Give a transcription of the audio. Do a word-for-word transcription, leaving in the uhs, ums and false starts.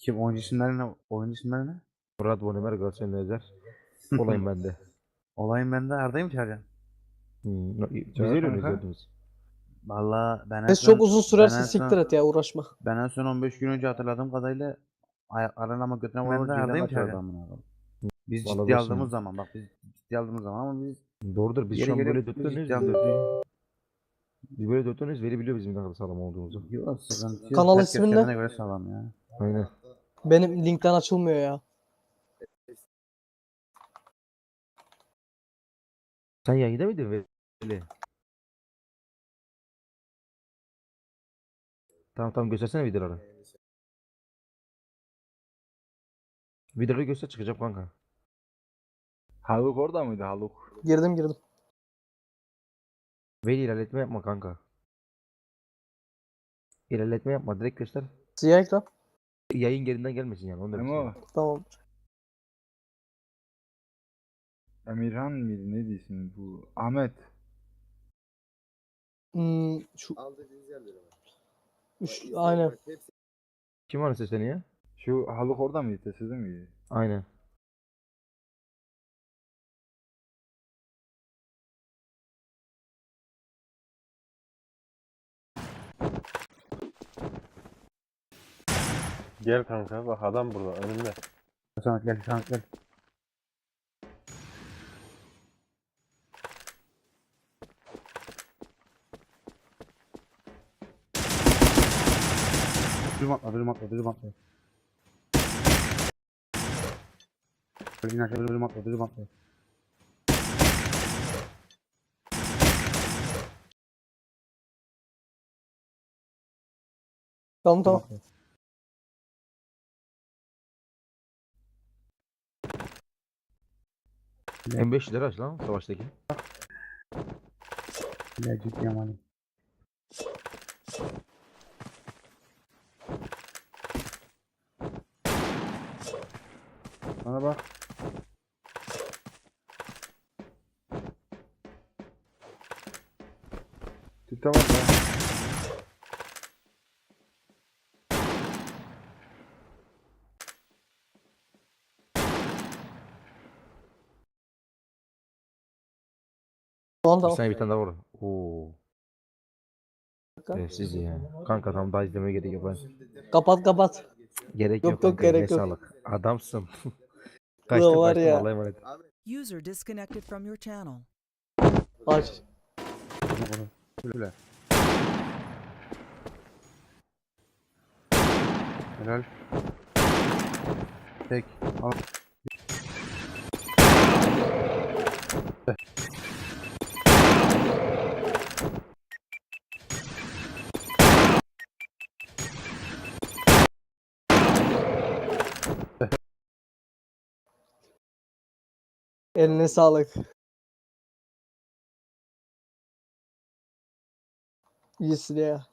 Kim oyuncu isimleri ne? Oyuncu isimleri ne? Murat Bonimer, Galatasaray Özer. Olayım bende. Olayım ben de Arda'yı mı çağıracaksın? Hmm. no- Biz Çağır öyle kanka. oynayacağız. Valla ben en Ses son çok uzun ben sürerse en siktir son et ya, uğraşma. ben en son on beş gün önce hatırladığım kadarıyla ayaklarına ama götüne vurur Ben de Arda'yı mı Arda'yı çağıracaksın? amına koyayım. Biz Vallahi ciddi dostum. aldığımız zaman bak biz ciddi aldığımız zaman ama biz Doğrudur. Biz yeri şu an geliyor böyle biz dörtleniyoruz. ciddi Biz, alıyoruz. dörtlü- biz böyle dörtleniyoruz. Veri biliyor bizim ne kadar sağlam olduğumuzu. Yok sıkıntı yok. Kanal Herkes ismi ne? kendine göre sağlam ya. Aynen. Benim linkten açılmıyor ya. Sen yayında mıydın Veli? Tamam tamam, göstersene videoları. Videoları göster, çıkacağım kanka. Haluk orada mıydı Haluk? Girdim girdim. Veli ilerletme yapma kanka. İlerletme yapma, direkt göster. Siyah ekran. Yayın gerinden gelmesin yani, onu demek Ama istedim. Tamam. Emirhan mıydı ne diyorsun bu? Ahmet. Hmm, şu... Üç, aynen. Kim var sesleniyor? Şu Haluk orada mıydı? Sizin miydi? Aynen. Gel kanka bak adam burada önümde. Samet gel Samet gel. Dürüm atla dürüm atla dürüm atla. Dürüm atla dürüm atla dürüm atla. Tamam tamam. M beş lira aç lan savaştaki. Ya ciddi amalim. Bana bak. Tüte var ya. Tamam Bir tamam. saniye, bir tane daha var. Oo. Evet, siz ya. Kanka tam daha izlemeye gerek yok. Ben. Kapat kapat. Gerek Yok, yok, yok, kanka. Eline gerek yok. sağlık. Adamsın. Ulan Kaçtım var kaçtım, ya. Allah'a emanet. User disconnected from your channel. Aç. Böyle. Helal. Tek. Al. Eline sağlık. İyisin ya.